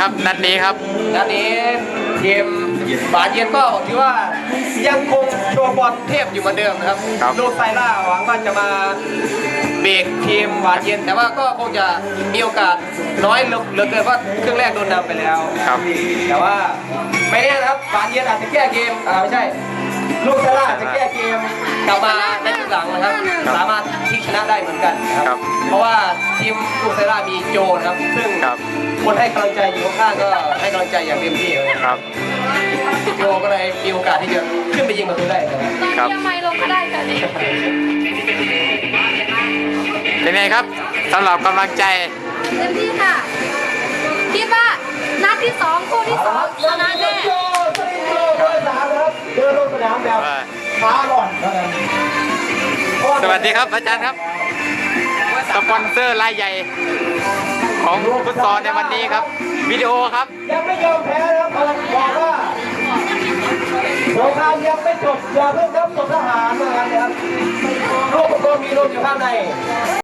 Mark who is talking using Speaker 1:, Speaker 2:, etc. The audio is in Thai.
Speaker 1: ครับนัดนี้ครับ
Speaker 2: นัดนี้ทีมบาเย็นก็ถือว่ายังคงโชว์บอลเทพอยู่เหมือนเดิมนะครับลูกไซล่าหวังว่าจะมาเบรกทีมบาเย็นแต่ว่าก็คงจะมีโอกาสน้อยเหลือเกินเพราะครึ่งแรกโดนนำไปแล้วแต่ว่าไม่แน่นะครับบาเย็นอาจจะแก้เกมไม่ใช่ลูกไซล่าจะแก้เกมกลับมาในครึ่งหลังนะครับสามารถพลิกชนะได้เหมือนกันนะครับเพราะว่าทีมลูกไซล่ามีโจนะครับซึ่งคนให้กำลังใจอยู่ข้างก็ให้กำลังใจอย่างเต็มที่เลยครับโจก็เลยมีโอกาสที่จะขึ้นไปยิงประตูได้
Speaker 3: ตอนนี้ยังไม่ลงก็ได้กันนี่
Speaker 1: เป็นไงครับสำหรับกำลังใจ
Speaker 3: เต็มที่ค่ะคิดว่านัดที่2คู่ที่2ชนะแน่
Speaker 2: เดินลงสนามแบบขาหล่อน
Speaker 1: สวัสดีครับอาจารย์ครับสปอนเซอร์รายใหญ่ของฟุตซอลในวันนี้ครับวิดีโอครับ
Speaker 2: ยังไม่ยอมแพ้นะครับบอกว่าสงครามยังไม่จบอย่าเพิ่งนับศพทหารนะครับลูกก็มีลูกอยู่ข้างใน